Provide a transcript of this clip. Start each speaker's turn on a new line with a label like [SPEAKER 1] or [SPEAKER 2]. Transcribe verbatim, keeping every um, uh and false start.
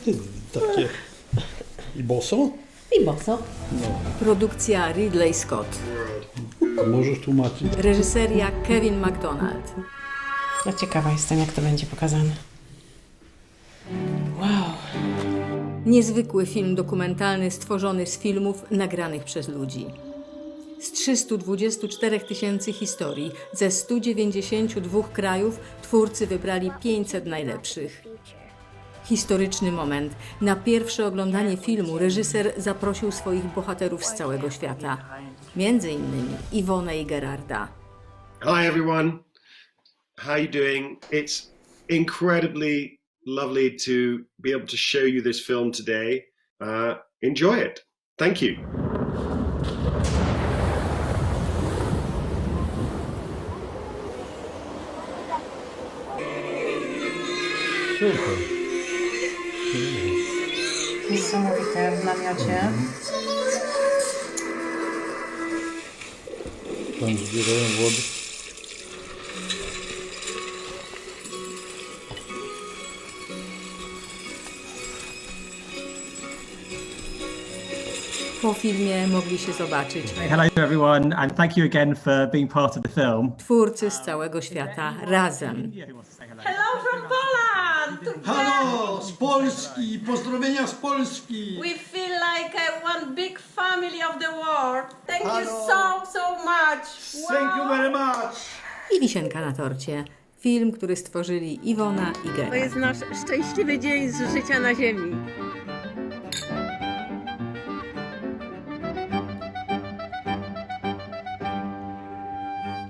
[SPEAKER 1] Takie. I boso?
[SPEAKER 2] I boso.
[SPEAKER 1] No.
[SPEAKER 3] Produkcja Ridley Scott.
[SPEAKER 1] A możesz tłumaczyć?
[SPEAKER 3] Reżyseria Kevin MacDonald.
[SPEAKER 2] No ciekawa jestem, jak to będzie pokazane. Wow.
[SPEAKER 3] Niezwykły film dokumentalny stworzony z filmów nagranych przez ludzi. Z trzystu dwudziestu czterech tysięcy historii ze stu dziewięćdziesięciu dwóch krajów twórcy wybrali pięćset najlepszych. Historyczny moment. Na pierwsze oglądanie filmu reżyser zaprosił swoich bohaterów z całego świata. Między innymi Iwonę i Gerarda.
[SPEAKER 4] Hi everyone, how you doing? It's incredibly lovely to be able to show you this film today. Uh, enjoy it. Thank you.
[SPEAKER 1] Super.
[SPEAKER 2] Niesamowite w namiocie.
[SPEAKER 1] Tam zbierają wodę.
[SPEAKER 3] Po filmie mogli się zobaczyć
[SPEAKER 5] Hello to everyone and thank you again for being part of the film.
[SPEAKER 3] twórcy z całego świata razem.
[SPEAKER 6] Hello from Poland!
[SPEAKER 7] Halo, z Polski, pozdrowienia z Polski.
[SPEAKER 6] We feel like uh, one big family of the world. Thank you so, so much.
[SPEAKER 7] Thank you very much.
[SPEAKER 3] I wisienka na torcie. Film, który stworzyli Iwona i
[SPEAKER 6] To
[SPEAKER 3] Gerard.
[SPEAKER 6] jest nasz szczęśliwy dzień z życia na ziemi.